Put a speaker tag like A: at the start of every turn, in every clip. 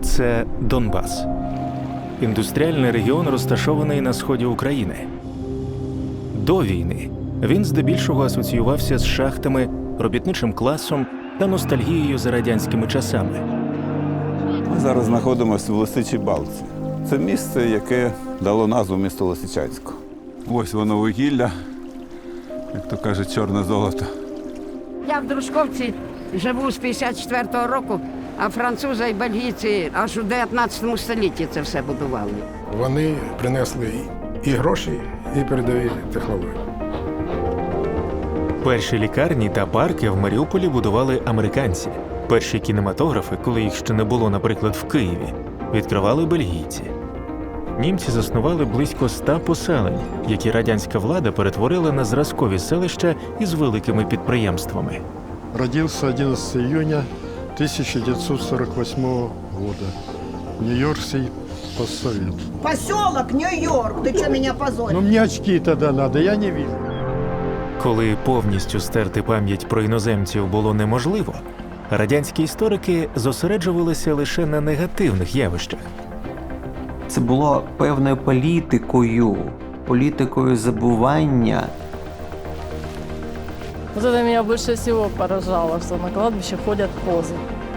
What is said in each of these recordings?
A: Це Донбас. Індустріальний регіон, розташований на сході України. До війни він здебільшого асоціювався з шахтами, робітничим класом та ностальгією за радянськими часами.
B: Ми зараз знаходимося в Лисичій Балці. Це місце, яке дало назву місту Лисичанську. Ось воно вугілля, як то кажуть, чорне золото.
C: Я в Дружковці живу з 54-го року, а французи і бельгійці аж у 19 столітті це все будували.
D: Вони принесли і гроші, і передові технології.
A: Перші лікарні та парки в Маріуполі будували американці. Перші кінематографи, коли їх ще не було, наприклад, в Києві, відкривали бельгійці. Німці заснували близько 100 поселень, які радянська влада перетворила на зразкові селища із великими підприємствами.
E: Родился 11 июня 1948 года. Нью-Йоркский постсовет.
F: Поселок Нью-Йорк. Ты что, меня позоришь?
E: Ну, мне очки тогда надо, я не вижу.
A: Коли повністю стерти пам'ять про іноземців було неможливо, радянські історики зосереджувалися лише на негативних явищах.
G: Це було певною політикою забування.
H: Вот это меня больше всего поражало, что на кладбище ходят козы.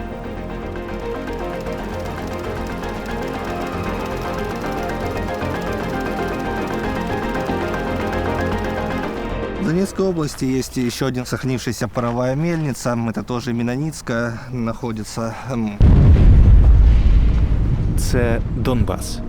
I: В Донецкой области есть еще один сохранившаяся паровая мельница. Это тоже Меноницкая находится.
A: Це Донбас.